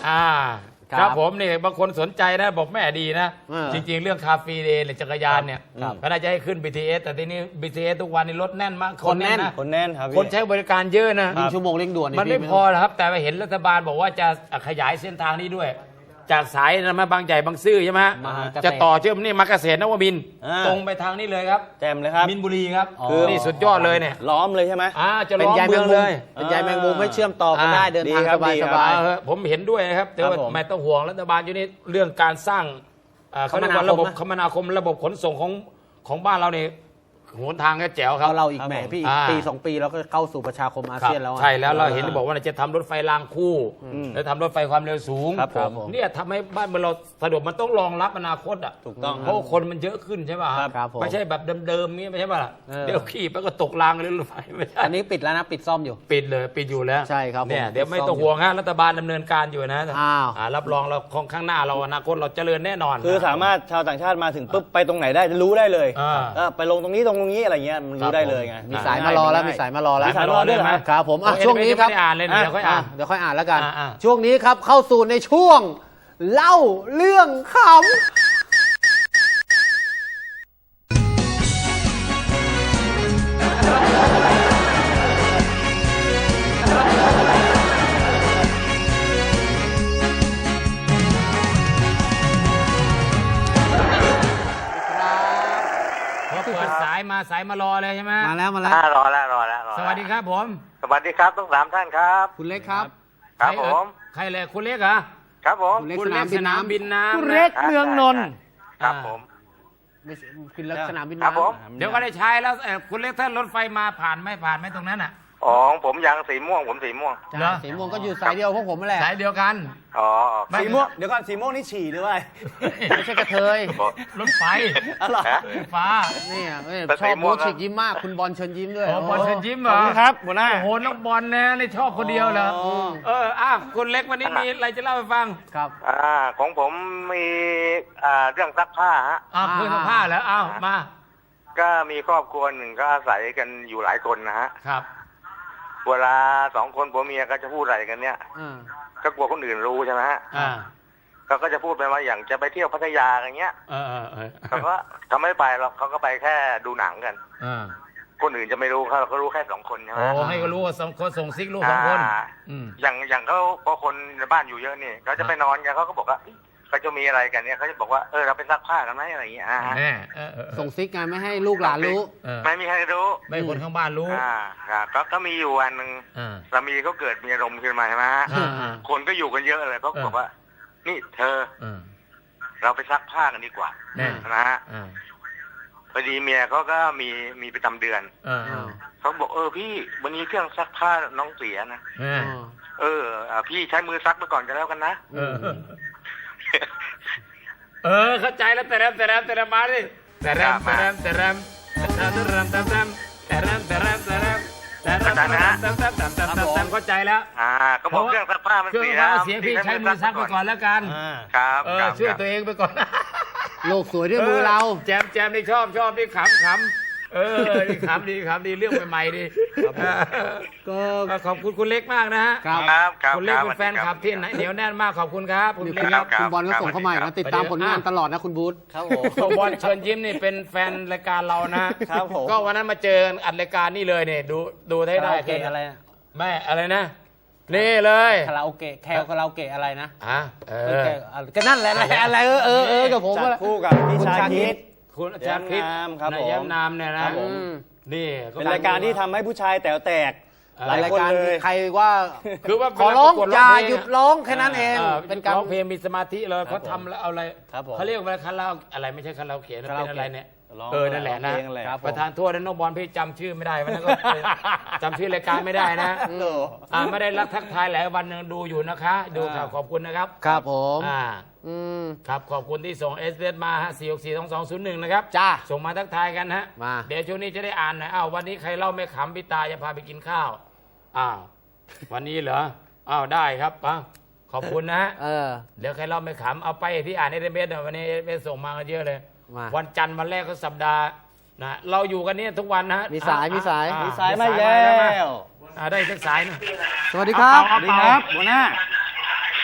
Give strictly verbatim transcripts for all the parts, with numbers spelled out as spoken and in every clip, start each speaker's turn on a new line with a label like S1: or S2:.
S1: อ่าครับผมนี่บางคนสนใจนะบอกแม่ดีนะจริงๆเรื่องคาเฟ่เดย์จักรยานเนี่ยก็น่าจะให้ขึ้น บี ที เอส แต่ทีนี้ บี ที เอส ทุกวันนี้รถแน่นมาก
S2: คนแน่น
S1: นะ
S2: คนแน่นครับ
S1: คนใช้บริการเยอะนะ
S2: ชั่วโมงเร่งด่วน
S1: มันไม่พอครับแต่เห็นรัฐบาลบอกว่าจะขยายเส้นทางนี้ด้วยจากสายนะมาบางใหญ่บางซื่อใช่ไหมจะต่อเชื่อมนี่มาเกษตรนวมินทร์ตรงไปทางนี้เลยครับ
S2: แจมเลยครับ
S1: มินบุรีครับคือนี่สุดยอดเลยเนี่ย
S2: ล้อมเลยใช่ไหม
S1: อ่าจะล้อมเมืองเลย
S2: เป็นใยแมงมุมให้เชื่อมต่อกันได้เดินทางสบายสบาย
S1: ผมเห็นด้วยนะครับแต่ว่าไม่ต้องห่วงรัฐบาลอยู่นี่เรื่องการสร้างเขาเรียกว่าระบบคมนาคมระบบขนส่งของของบ้านเราเนี่ยหนทางก็แจ๋วครับ
S2: เราอีกแหมพี่ปีสองปีเราก็เข้าสู่ประชาคมอาเซียนแล้ว
S1: ใช่แล้วเราเห็นบอกว่าจะทำรถไฟรางคู่แล้วทำรถไฟความเร็วสูงเนี่ยทำให้บ้านเมืองเราสะดวกมันต้องรองรับอนาคตอ่ะ
S2: ถูกต้อง
S1: เพราะคนมันเยอะขึ้นใช่ป่ะครับไม่ใช่แบบเดิมๆนี้ไม่ใช่ป่ะเดี๋ยวขี่ไปก็ตกรางเลยรถไฟไม่ใช่
S2: อันนี้ปิดแล้วนะปิดซ่อมอยู่
S1: ปิดเลยปิดอยู่แล้ว
S2: ใช่ครับ
S1: เนี่ยเดี๋ยวไม่ต้องห่วงฮะรัฐบาลดำเนินการอยู่นะรับรองเราของข้างหน้าเราอนาคตเราเจริญแน่นอน
S2: คือสามารถชาวต่างชาติมาถึงปุ๊บไปตรงไหนได้จะรู้ได้เลยไปลงตรงนี้ตรงนี้อะไรเงี้ยรู้ได้เลยไงมีสายมารอแล้วมีสายมารอแล้ว
S1: มีสายมารอด้วย
S2: ครับผมช่วงนี้ครับ
S1: อ่านเลยเดี๋ยวค่อยอ่าน
S2: เดี๋ยวค่อยอ่านแล้วกันช่วงนี้ครับเข้าสู่ในช่วงเล่าเรื่องขำ
S1: เปิดสายมาสายมารอเลยใช่ไหม
S2: มาแล้วมาแล้ว
S3: รอแล้วรอแล้ว
S1: สวัสดีครับผม
S3: สวัสดีครับทั้งสามท่านครับ
S2: คุณเล็กครับ
S3: ครับผม
S1: ใครเลยคุณเล็กเหรอ
S3: ครับผม
S1: คุณเล็กสนามบินน้ำ
S2: คุณเล็กเมืองนนท์
S3: ครับผม
S2: คุณเล็กสนามบิน
S3: น้
S1: ำเดี๋ยวก็ได้ใช้แล้วคุณเล็กถ้ารถไฟมาผ่านไม่ผ่านไม่ตรงนั้นอ่ะ
S3: อ๋อผมยังสีม่วงผมสีม่วง
S2: สีม่วงก็อยู่สายเดียวพวกผมแหละ
S1: สายเดียวกัน
S3: อ๋อ
S2: สีม่วงเดี๋ยวก่อนสีม่วงนี่ฉี่หรือว่าไม่ใช่กระเทย
S1: รถไฟ
S2: อะไร
S1: ฟ้า
S2: นี่ชอบบูชิกยิ้มมากคุณบอลเชิญยิ้มด้วย
S1: บอลเชิญยิ้มเหรอ
S2: ครับหัวหน้า
S1: โหน้องบอลนะนี่ชอบคนเดียวเหรอเอออ่ะคุณเล็กวันนี้มีอะไรจะเล่าให้ฟัง
S2: ครับ
S3: อ่าของผมมีอ่าเรื่องซักผ้าฮะ
S1: อ่าเพื่อนซักผ้าแล้วอ้าวมา
S3: ก็มีครอบครัวหนึ่งก็อาศัยกันอยู่หลายคนนะฮะ
S1: ครับ
S3: เวลาสองคนผัวเมียก็จะพูดอะไรกันเนี่ยก็กลัวคนอื่นรู้ใช่ไหมฮะเขาก็จะพูดไปว่าอย่างจะไปเที่ยวพัทยาอย่างเงี้ยเขาก็เขาไม่ไปหรอกเขาก็ไปแค่ดูหนังกันคนอื่นจะไม่รู้เขาก็รู้แค่สองคนใช่ไหม
S1: โอ้ให้ก็รู้ว่าสองคนส่งซิกลูกสองคน
S3: อย่างอย่างเขาพอคนในบ้านอยู่เยอะนี่เขาจะไปนอนกันเขาก็บอกว่าเขาจะมีอะไรกันเนี่ยเขาจะบอกว่าเออเราไปซักผ้ากันไหมอะไรอย่างเงี้ย
S2: ส่งซิกไงไม่ให้ลูกหลานรู้
S3: ไม่มีใครรู้
S1: ไม่คนข้างบ้านรู้
S3: อ่าก็ก็มีอยู่วันหนึ่งสามีเขาเกิดมีอารมณ์ขึ้นมาใช่ไหมฮะคนก็อยู่กันเยอะเลยเขาบอกว่านี่เธอเราไปซักผ้ากันดีกว่านะฮะพอดีเมียเขาก็มีมีประจำเดือนเขาบอกเออพี่วันนี้เครื่องซักผ้าน้องเสียนะเออพี่ใช้มือซักไปก่อนกันแล้วกันนะ
S1: เออเข้าใจแล้วแต่แรมแต่แรมแต่แรมมาดิแต่แรมแต่แรมแต่แรมแต่แรมแต่แรมแต่แรมแต่แรมแต่แรมแต่แรมแต่แรมแต่แรมแต่แรมแต่แรมเข้าใจแล้ว
S3: อ่าก็บอกเครื่องซักผ้ามันเสีย
S1: เสียพี่ใช้มือซักไปก่อนแล้วกัน
S3: ครับ
S1: เออช่วยตัวเองไปก่อน
S2: โลกสวยด้วยมือเรา
S1: แจมแจมนี่ชอบชอบนี่ขำขำเออนี่ขำดีขำดีเรื่องใหม่ๆดีก็ขอบคุณคุณเล็กมากนะฮะ
S3: ครับ
S1: คุณเล็กเป็นแฟนคลับที่เหนียวแน่นมากขอบคุณครับ
S2: คุณเล็กคุณบอลก็ส่งเข้ามาอีกนะติดตามผลงานตลอดนะคุณบูธ
S1: ครับผมบอลเชิญยิ้มนี่เป็นแฟนรายการเรานะครับผมก็วันนั้นมาเจออัดรายการนี่เลยเนี่ยดูดูได้ได้
S2: เกะอะไร
S1: แม่อะไรนะนี่เลย
S2: คาราโอเกะแคลคาราโอเกะอะไรนะ
S1: อ่ะเออ
S2: ก็นั่นแหละอะไรเออเออเออกับผม
S3: จัดคู่กับพี่ชาคิด
S1: คุณอาจารย์คลิป
S2: ครับผม
S1: ย้ำนามเนี่ยนะนี่
S2: เป็นรายการที่ทำให้ผู้ชายแต๋วแตกหลายคนเลยใครว่า
S1: คือว่า
S2: ขอร้องอย่าหยุดร้องแค่นั้นเอง
S1: เป็นการร้องเพลงมีสมาธิเลยเขาทำแล้วเอาอะไรเขาเรียกว่าคาราอะไรไม่ใช่คาราโอเกะเป็นอะไรเนี่ยเออนั่นแหละนะประธานโทษนะน้องบอลพี่จำชื่อไม่ได้วันนั้นก็จำชื่อรายการไม่ได้นะอ่าไม่ได้รับทักทายหลายวันนึงดูอยู่นะคะดูข่าวขอบคุณนะครับ
S2: ครับผม
S1: อ่าครับขอบคุณที่ส่งเอสเอสมาฮะสี่หกสี่สองสองศูนย์หนึ่งนะครับ
S2: จ้า
S1: ส่งมาทักทายกันฮะเดี๋ยวช่วงนี้จะได้อ่านหน่อยอ้าววันนี้ใครเล่าไม่ขำพี่ตาจะพาไปกินข้าวอ้าววันนี้เหรออ้าวได้ครับอ่ะขอบคุณนะ
S2: เออ
S1: เดี๋ยวใครเล่าไม่ขำเอาไปที่อ่านเอสเอสวันนี้เอสส่งมากันเยอะเลยวันจันทร์วันแรกก็สัปดาห์นะเราอยู่กันนี่ทุกวันนะ
S2: มีสายมีสาย
S1: มีสายมาแล้วได้สักสายนะ
S2: สวัสดีครับสวัสดีครับหัวหน้า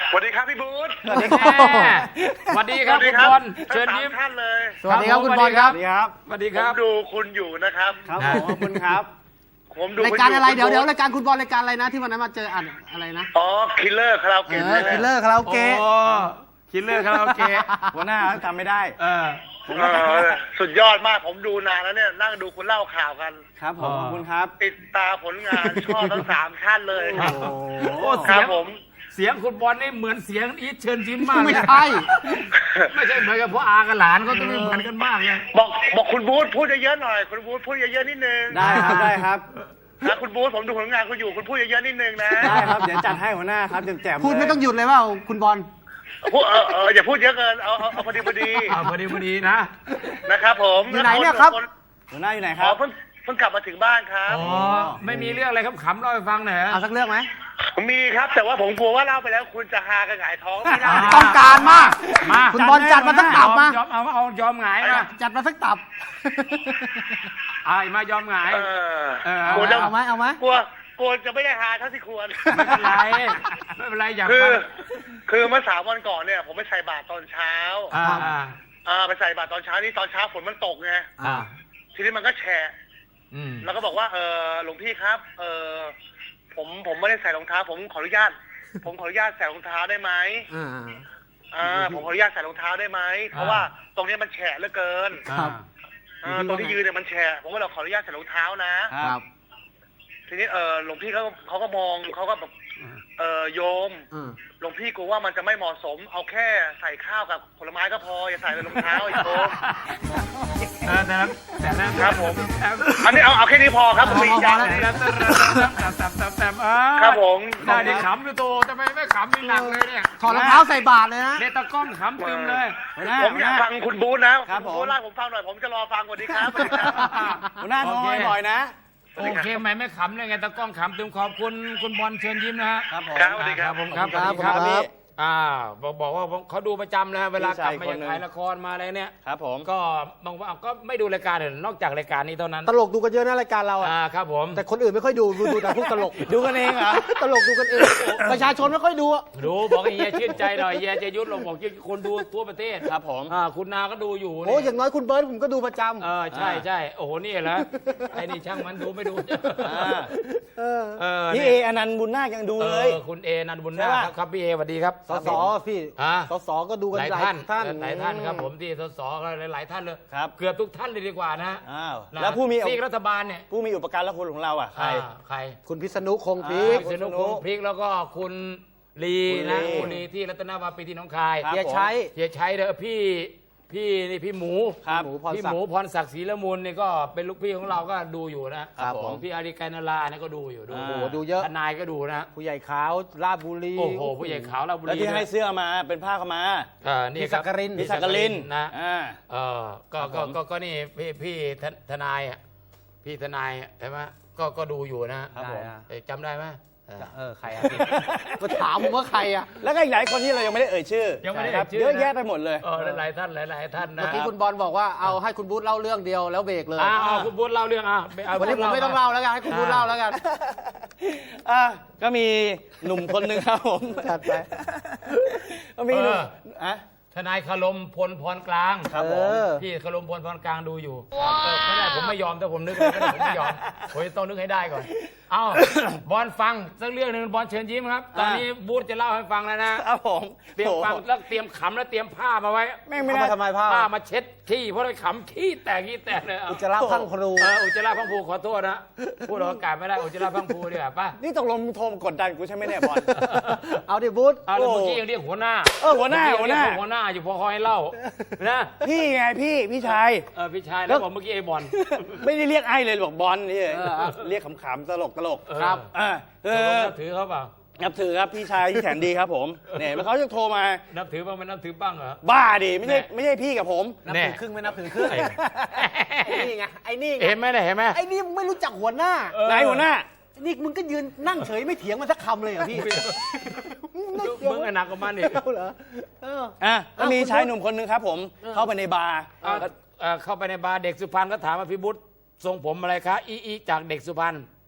S3: สวัสดีครับพี่บูธ
S2: สวัสดีครับ
S1: สวัสดีครับคุณบอลเชิญยิ้ม
S3: ท่านเลย
S2: สวัสดีครับคุณบอลครับ
S1: สวัสดีครับสวัสดี
S3: ผ
S1: ครั
S3: ม
S1: บ
S3: ดูคุณอยู่นะครับ
S2: ครับผมขอบคุณครับ
S3: ผมดู
S4: ราย
S3: คุณ
S4: การอะไร
S3: คุณ
S4: เดี๋ยวเดี๋ยว
S3: บูธ
S4: รายการคุณบอลรายการอะไรนะที่วันนั้นมาเจออ่านอะไรนะ
S3: อ๋อคิลเลอร์คาราโอ
S4: เอ
S3: เกะ
S4: อ
S3: ใช่ไหม
S4: คิลเลอร์คาราโอ
S1: โอ้
S4: เกะ
S1: คิลเลอร์คาราโอเกะ
S2: หัวหน้าทำไม่ได้
S1: เออ
S3: เออสุดยอดมากผมดูนานแล้วเนี่ยนั่งดูคุณเล่าข่าวกัน
S2: ครับผม
S1: อ๋อ
S2: ขอบคุณครับ
S3: ติดตามผลงานชอบทั้งสามท่านเลย
S2: โอ้โห
S1: โอ้
S3: ค
S1: เสี
S3: รั
S1: ย
S3: บ
S1: ง
S3: ผม
S1: เสียงคุณบอลนี่เหมือนเสียงอีทเชิญยิ้มมาก
S4: ไม่
S1: เลย
S4: ใช่
S1: ไม่ใช่เหมือนกับพ่ออากับหลานเขาต้องไม่เหมือนกันมากเลย
S3: บอกบอกคุณบูธพูดเยอะๆหน่อยคุณบูธพูดเยอะๆนิดนึง
S2: ได้ครับได้ครับ
S3: นะคุณบูธผมดูผลงานคุณอยู่คุณพูดเยอะๆนิดนึงนะ
S2: ได้ครับเดี๋ยวจัดให้หัวหน้าครับแจ่มๆ
S4: พูดไม่ต้องหยุดเลยว่าคุณบอล
S3: พูดเออเอออย่าพูดเยอะเกินเอาเอาเอาพอดีพอดี
S1: อ่าพอดีพอดีนะ
S3: นะครับผม
S4: อยู่ไหนเนี่ยครับ
S2: หัวหน้าอยู่ไหนค
S3: อ๋
S2: รั
S3: อบ เพิ่งเพิ่งกลับมาถึงบ้านครับ
S1: อ๋อไม่มีเรื่องอะไรขำๆเล่าให้ฟังหน่อยฮะ
S4: เอาสักเรื่องไหม
S3: มีครับแต่ว่าผมกลัวว่าเล่าไปแล้วคุณจะฮากันหงายท้องไม่ได้
S1: อ่า
S4: ต้องการมาก
S1: มา
S4: คุณบอลจัดมาสักตับมาย
S1: อมเอาเอายอมหงายมา
S4: จัดมาสักตับ
S1: อ่ามายอมหงาย
S3: เออ
S1: เออ
S3: กลัวจะ
S4: เอาไหมเอาไหม
S3: กลัวกลัวจะไม่ได้ฮาเท่าที่ควร
S1: ไม่เป็นไรไม่เป็นไรอยาก
S3: คือ
S1: ฟัง
S3: คือเมื่อสามวันก่อนเนี่ย ผมไปใส่บาตรตอนเช้า
S1: อ่าอ่า
S3: อ่าไปใส่บาตรตอนเช้านี่ตอนเช้าฝนมันตกไง
S1: อ่า
S3: ทีนี้มันก็แฉะ
S1: อืม
S3: แล้วก็บอกว่าเออหลวงพี่ครับ เออผมผมไม่ได้ใส่รองเท้า ผมขออนุญาต ผมขออนุญาตใส่รองเท้าได้ไหม
S4: อ่า
S3: อ่าผมขออนุญาตใส่รองเท้าได้ไหมเพราะว่าตรงนี้มันแฉะเหลือเกิน
S1: ครับ
S3: อ่าตรงที่ยืนเนี่ยมันแฉะผมก็เลยขออนุญาตใส่รองเท้านะ
S4: ครับ
S3: ทีนี้เออหลวงพี่เขาเขาก็มองเขาก็แบบเออโยม
S4: อืม
S3: หลวงพี่กลัวว่ามันจะไม่เหมาะสม เอาแค่ใส่ข้าวกับผลไม้ก็พออย่าใส่รองเท้าอีกโยม
S1: เออแต่นั้นแต่นั้น
S3: ครับผม อันนี้เอาเอาแค่นี้พอครับผมมีอีกอย่าง
S1: แต่
S3: หนึ่ง
S1: นั้นแต่แต่แต่แต่อ่า
S3: ครับผม
S1: ได้ดิขำอยู่โตทำไมไม่ขำนี่หนักเลยเนี่ย
S4: ถอดรองเท้าใส่บาทเลยนะ
S1: เนี่ยตะก้อนขำตึมเลย
S2: หัวหน้า
S3: ผมอยากฟังคุณบูธนะครับ
S2: ผม
S3: ณบูธเล่าให้ผมฟังหน่อยผมจะรอฟังสวัสดีครับสวัสดีครับ
S2: หัวหน้าโทรมาบ่อยๆนะ
S1: โอเคไหมไม่ขำเลยไงตะก้องขำตึมขอบคุณคุณบอลเชิญยิ้มนะฮะ
S2: ครับผม
S3: ครับสวัสดีครับ
S1: ผมครับ
S4: ครับ
S1: สวัสดีครับ
S4: ครับ
S1: พี่อ่าบอกบอกว่าเขาดูประจำนะฮะเวลากลับมา
S2: พี่ชายคนหนึ่ง
S1: จากถ่ายละครมาอะไรเนี่ย
S2: ครับผม
S1: ก็บางวันก็ไม่ดูรายการอื่นนอกจากรายการนี้เท่านั้น
S4: ตลกดูกันเยอะนะรายการเราอ่ะ
S1: อ่าครับผม
S4: แต่คนอื่นไม่ค่อยดูดูดูแต่พวกตลก
S2: ดูกันเองเหรอ
S4: ตลกดูกันเอง ประชาชนไม่ค่อยดูอะ
S1: ดูบอกให้เฮียชื่นใจหน่อยเฮียจะยุทธเราบอกคนดูทั่วประเทศ
S2: ครับผม
S1: อ่าคุณนาก็ดูอยู่
S4: โอ้
S1: นี่
S4: อย่างน้อยคุณเบิร์ตผมก็ดูประจ
S1: เออใช่ใช่โอ้โหนี่เหรอไอ้นี่ช่างมันดูไม่ดู
S2: อ่า
S4: ำเออ
S1: เออ
S2: พี่
S1: นี่
S2: เออนันต์บุญนาคยังดู
S1: เอ
S2: เลย
S1: อคุณเอนันบุญนา
S2: ใช่
S1: ค
S2: ปะ
S1: ครับครับพี่เอสวัสดีครับ
S4: สสพี่
S1: อ่า
S4: สสก็ดูกัน
S1: หลาย
S4: หลาย
S1: ท่าน
S4: ท่าน
S1: หลายท่านครับผมที่สสก็หลายๆท่านเลย
S2: ครับ
S1: เกือบทุกท่านเลยดีกว่านะ
S2: อ้าว
S1: นะ
S2: แล้วผู้มี
S1: ซีกรัฐบาลเนี่ย
S2: ผู้มีอุปการละคุณของเราอ่ะใคร
S1: อ่าใคร
S4: คุณพิษณุคงพี
S2: อ่า
S4: ค
S1: พิษณุพงศ์พริกแล้วก็คุณลี
S2: คุณลี
S1: นะคุณลีที่รัตนวาปีที่หน้องคาย
S2: ครับ
S4: เฮียใช้
S1: เฮียชัยเด้อพี่พี่นี่พี่หมู
S2: ครับ
S4: หมูพร
S1: พี่
S4: ศั
S1: ห
S4: ก
S1: มู
S4: ดิ์
S1: พรศักดิ์ศรีละมุนนี่ก็เป็นลูกพี่ของเราก็ดูอยู่นะครับ
S2: ผม
S1: พี่อาริกานาราเนี่ยก็ดูอยู่ดู
S2: อ่า
S4: โอ้โหดูเยอะ
S1: ทนายก็ดูนะ
S4: ผู้ใหญ่ขาวราชบุรี
S1: โอ้โหผู้ใหญ่ขาวเราบุ
S2: แล้ว
S1: รี
S2: ที่ให้
S1: ด้วย
S2: เสื้อมาเป็นผ้าขาวมา
S1: เออนี่
S4: พี่
S1: ค
S4: สั
S1: รับ
S4: กกริน
S2: พี่สักกลิน
S1: นะ
S2: อ่า
S1: เออก็
S2: ครับ
S1: ก็
S2: ผม
S1: ก็ก็นี่พี่พี่ทนทนายอ่ะพี่ทนายอ่ะใช่ไหมก็ก็ดูอยู่นะครับ
S2: ผม
S4: ได้อะ
S1: เอ๊ะจำได้ไหมเออ
S4: เออใครอ่ะพี่มาถามผมว่าใครอ่ะ
S2: แล้วก็อีกหลายคนที่เรายังไม่ได้เอ่ยชื่อ
S1: ยังไม่ได้
S2: ครับ
S1: เอ่ยชื่อ
S2: เยอะ
S1: นะ
S2: แยะไปหมดเลย
S1: เออหลายๆท่านหลาย ๆ ท่านนะ
S4: เมื่อกี้คุณบอลบอกว่าเอาให้คุณบูธเล่าเรื่องเดียวแล้วเบรกเลย
S1: อ่าเอาคุณบุญเล่าเรื่องอ่ะเอา
S4: วันนี้ผมไม่ต้องเล่าแล้วกันให้คุณบูธเล่าแล้วกัน
S2: อ่ะก็มีหนุ่มคนหนึ่งครับผม
S4: จัดไป
S2: ก็มีหนุ่มอ่ะ
S1: ทนายคารมพลพรกลาง
S2: ครับผ
S4: เอ
S2: ม
S4: อ
S1: พี่คารมพลพรกลางดูอยู่เออไม่ได้ผมไม่ยอมแต่ผมนึกไม่ได้ผมไม่ยอมผมจะต้องนึกให้ได้ก่อน เอ้า บอลฟังสักเรื่องหนึ่งบอลเชิญยิ้มครับ ตอนนี้บูธจะเล่าให้ฟังแล้วนะครับ
S2: ผม
S1: เตรียมฟัง
S2: โอ้โห
S1: แล้วเตรียมขำแล้วเตรียมผ้ามาไว้
S2: แม่งไม่
S4: เอา
S2: ได้
S4: มาทำไมผ้า
S1: ผ้ามาเช็ดขี้เพราะเราขำขี้แตกขี้แตกเลยเอา
S4: อุจจาระพังครู
S1: เอออุจจาระพังผูขอโทษนะพูดออกอากาศไม่ได้อุจจาระพังผูดีกว่าป่ะ
S2: นี่ตกลงมึงโทรมากดดันกูใช่ไหมเนี่ยบอล
S4: เอาดิบูธ
S1: เอาแล้วเมื่อกี้ยังเรียกหัวหน้า
S2: เออหัวหน้า
S1: เมื่อกี้ยังเรียก
S2: หั
S1: หั
S2: ว
S1: ว
S2: ห
S1: ห
S2: น้า
S1: น้าอยู่พอคอยเล่านะ
S2: พี่ไงพี่พี่ชาย
S1: เออพี่ชายแล้วบอกเมื่อกี้ไอ้บอล
S2: ไม่ได้เรียกไอ้เลยบอกบอลนี่เรียกขำๆตลกตลก
S1: ครับ
S2: อ่าเอ
S1: เอ
S2: อ
S1: นับถือเขาเปล่า
S2: นับถือครับพี่ชายที่แสนดีครับผมเนี่ยเขาจะโทรมา
S1: นับถือบ้างไหมนับถือบ้างเหรอ
S2: บ้าดิไม่ใช่
S1: แน่
S2: ไม่ใช่พี่กับผม
S4: นับ
S1: แน่
S4: ถือครึ่งไม่นับถือครึ่ง
S1: ไอ้
S4: ไอ้นี่ไงไอ้นี่ไง
S1: เห็นไหมเนี่ยเห็นไหม
S4: ไอ้นี่มึงไม่รู้จักหัวหน้า
S1: เออ
S2: นายหัวหน้า
S4: นี่มึงก็ยืนนั่งเฉยไม่เถียงมันสักคำเลยเหรอพี่
S1: มึงอะหนักกว่ามันอีก
S4: เอาเหรอเออ
S2: อ่ะก็มี
S4: เอาคุณ
S2: ชายหนุ่มคนหนึ่งครับผม
S4: เออ
S2: เข้าไปในบาร์
S1: เอาเอ่อเข้าไปในบาร์เด็กสุพรรณก็ถามว่าพี่บุ๊ททรงผมอะไรคะอีอีจากเด็กสุพรรณ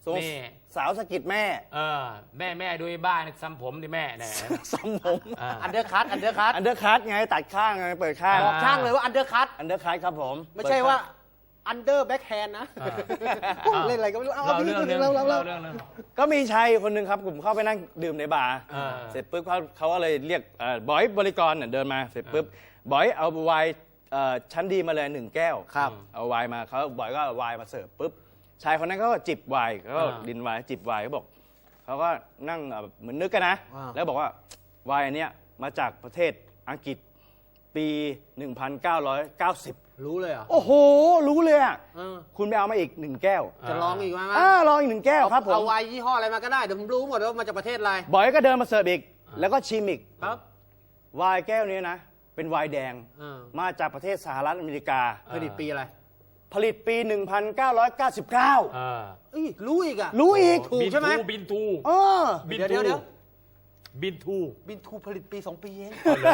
S2: ตัว
S1: นี่
S2: สาวสะกิดแม่
S1: เออแม่แม่ดูไอ้บ้านซ้ำผมดิแม่เนี่ย
S2: ซ้ำผม
S1: อ่า
S4: อันเดอร์คัตอันเดอร์คัต
S2: อันเดอร์คัทไงตัดข้างไงเปิดข้าง
S4: บอกช่างเลยว่าอันเดอร์คัต
S2: อันเดอร์คัทครับผม
S4: ไม่ใช่ว่าอันเดอร์แบ็คแฮนด์นะ
S1: อ่า
S4: เล่นอะไรก็ไม่รู้เอา
S1: เรา
S4: เอา
S1: เรื่องหนึง
S4: เล่าเล่า
S1: เรา
S4: เล่า
S1: เรื่องหนึง
S2: ก็มีชายคนหนึ่งครับผมเข้าไปนั่งดื่มในบาร์
S1: อ่า
S2: เสร็จปุ๊บเขาเขาก็เลยเรียกเอ่อบอยบริกรเนี่ยเดินมาเสร็จปุ๊บบอยเอาไวน์เอ่อชั้นดีมาเลยหนึ่งแก้ว
S4: ครับ
S2: เอาไวน์มาเขาบอยก็เอาไวน์มาเสิร์ฟปุ๊บชายคนนั้นก็จิบไวน์เขาก็
S1: อ่า
S2: ดินไวน์จิบไวน์เขาบอกเขาก็นั่งเอ่อเหมือนนึกกันนะ
S4: อ่า
S2: แล้วบอกว่าไวน์อันเนี้ยมาจากประเทศอังกฤษปี หนึ่งพันเก้าร้อยเก้าสิบ
S4: รู้เลยเหรอ
S2: โอ้โห รู้เลยอ่ะ
S4: เออ
S2: คุณไปเอามาอีกหนึ่งแก้ว
S4: จะลองอีกไหม
S2: อ่าลองอีกหนึ่งแก้วครับผม
S4: เอาไวน์ยี่ห้ออะไรมาก็ได้เดี๋ยวผมรู้หมดว่ามาจากประเทศอะไร
S2: บอยก็เดินมาเสิร์ฟอีก แล้วก็ชิมอีก
S4: ครับ
S2: ไวน์แก้วนี้นะ เป็นไวน์แดง
S4: เออ
S2: มาจากประเทศสหรัฐอเมริกา
S4: ผลิตปีอะไร
S2: ผลิตปี หนึ่งพันเก้าร้อยเก้าสิบเก้า
S1: เออ
S4: เอ้ยรู้อีกอ่ะ
S2: รู้อีก
S4: ถูกใช่ไหม
S1: บินทู
S2: เออ
S1: บิน
S4: เดี๋ยว
S1: ทู
S4: เดี๋ยวเดี๋ยว
S1: บินทู
S4: บินทูผลิตปีสองปีเอง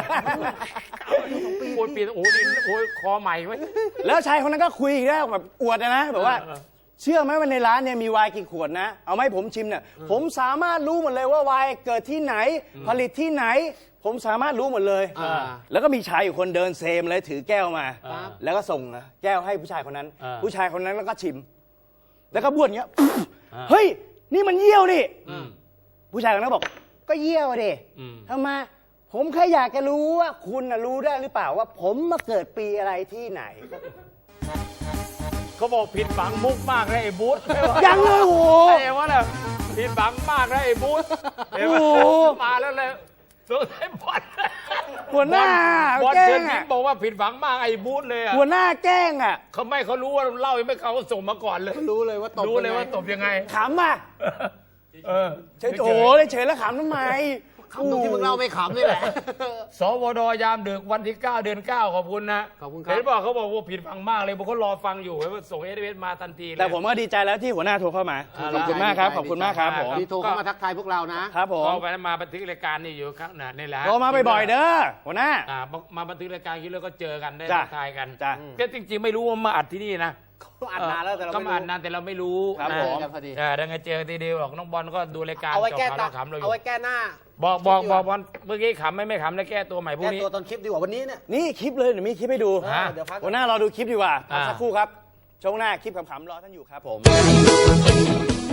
S1: โอ้ยปีโอ้ยดินโอ้ยคอใหม่ไว้ย
S2: แล้วชายคนนั้นก็คุยอีกแล้วแบบอวดนะนะแบบว่า
S1: เออ
S2: เชื่อไหมว่าในร้านเนี่ยมีไวน์กี่ขวดนะ เอาไหมาให้ผมชิมเนี่ย ผมสามารถรู้หมดเลยว่าไวน์เกิดที่ไหน ผลิตที่ไหน ผมสามารถรู้หมดเลย
S4: อ่า
S2: แล้วก็มีชายอยู่คนเดินเซมเลยถือแก้วมา
S1: ครับ
S2: แล้วก็ส่งนะแก้วให้ผู้ชายคนนั้น
S1: อ่า
S2: ผู้ชายคนนั้นแล้วก็ชิม แล้วก็บ้วนอย่างเงี้ย
S1: อ่า
S2: เฮ้ย นี่มันเยี่ยวนี่
S1: อืม
S2: ผู้ชายคนนั้นบอก ก็เยี่ยวดิ
S1: อืม
S2: ทำไมผมแค่อยากจะรู้ว่าคุณน่ะรู้ได้หรือเปล่าว่า ผมมาเกิดปีอะไรที่ไหน
S1: เขาบอกผิดหวังมุกมากเลยไอ้บูธ
S2: ยังเลยโอ้โห
S1: ไอ้ว่าเนี่ยผิดหวังมากเลยไอ้บูธเห็นไหม
S2: โอ้โห
S1: มาแล้วเลยสงสัยบอล
S2: หัวหน้า
S1: บอล
S2: แกล้
S1: เชิญ
S2: ง
S1: ยิ้
S2: อะ
S1: มบอกว่าผิดหวังมากไอ้บูธเลยอะ
S2: หัวหน้าแกล้งอ่ะ
S1: เขาไม่เขารู้ว่าเล่ายังไม่เขาก็ส่งมาก่อนเลย
S4: รู้เลยว่าตบ
S1: รู้เลย
S4: งไง
S1: ว่าตบยังไง
S2: ขำอ่ะ
S1: เออ
S2: เฉยโอ้ยเฉยแล้วขำทำไม
S4: คำตรงที่มึงเล่าไม่ขำนี่แหละ
S1: สวดยามดึกวันที่เก้าเดือนเก้าขอบคุณนะ
S4: ขอบคุณครับ
S1: เห็นบอกเขาบอกว่าผิดหวังมากเลยบอกเขารอฟังอยู่ว่าส่งเอสเอสมาทันทีเลย
S2: แต่ผมก็ดีใจแล้วที่หัวหน้าโทรเข้ามา
S1: อ่า
S2: ขอบคุณมากครับ ขอบคุณมากครับผม
S4: ที่โทรเข้ามาทักทายพวกเรานะ
S2: ครับผม
S1: ก็ไปมาบันทึกรายการนี่อยู่ครับน่ะนี่แหละ
S2: โทรมาบ่อยๆเด้อหัวหน้า
S1: อ่ามาบันทึกรายการคิดแล้วก็เจอกันได้
S2: จ้ะ
S1: ทักทายกัน
S2: จ้ะ
S1: ก็จริงๆไม่รู้ว่ามาอัดที่นี่นะ
S4: เขาอัดนานแล้วแต่เรา
S1: ก็
S4: ไม่
S1: มา
S4: รู้
S1: อัดนานแต่เราไม่รู้
S2: ครับ
S1: นะ
S2: ผม
S4: กันพอดี
S1: เออดังไงเจอทีเดียวหรอกน้องบอลก็ดูรายการ
S4: เอาไว้
S1: จบ
S4: แก้
S1: ข่าว
S4: ตา
S1: เราขำเราอ
S4: เอา
S1: ยู่
S4: ไว้แก้หน้า
S1: บอกบอก
S4: คลิป
S1: บอก
S4: ดีกว่า
S1: บอลเมื่อกี้ขำไม่ไม่ขำแล้วแก้ตัวใหม่พรุ่
S4: แก้
S1: งนี้
S4: ตัวตอนคลิปดีกว่าวันนี้เนี่ย
S2: นี่คลิปเลยเดี๋ยวมีคลิปให้ดู
S1: ฮะ
S4: เดี๋ยวพัก
S2: หัวหน้ารอดูคลิปดีกว่าพัก
S1: อ่า
S2: สักครู่ครับช่วงหน้าคลิปขำๆรอท่านอยู่ครับผม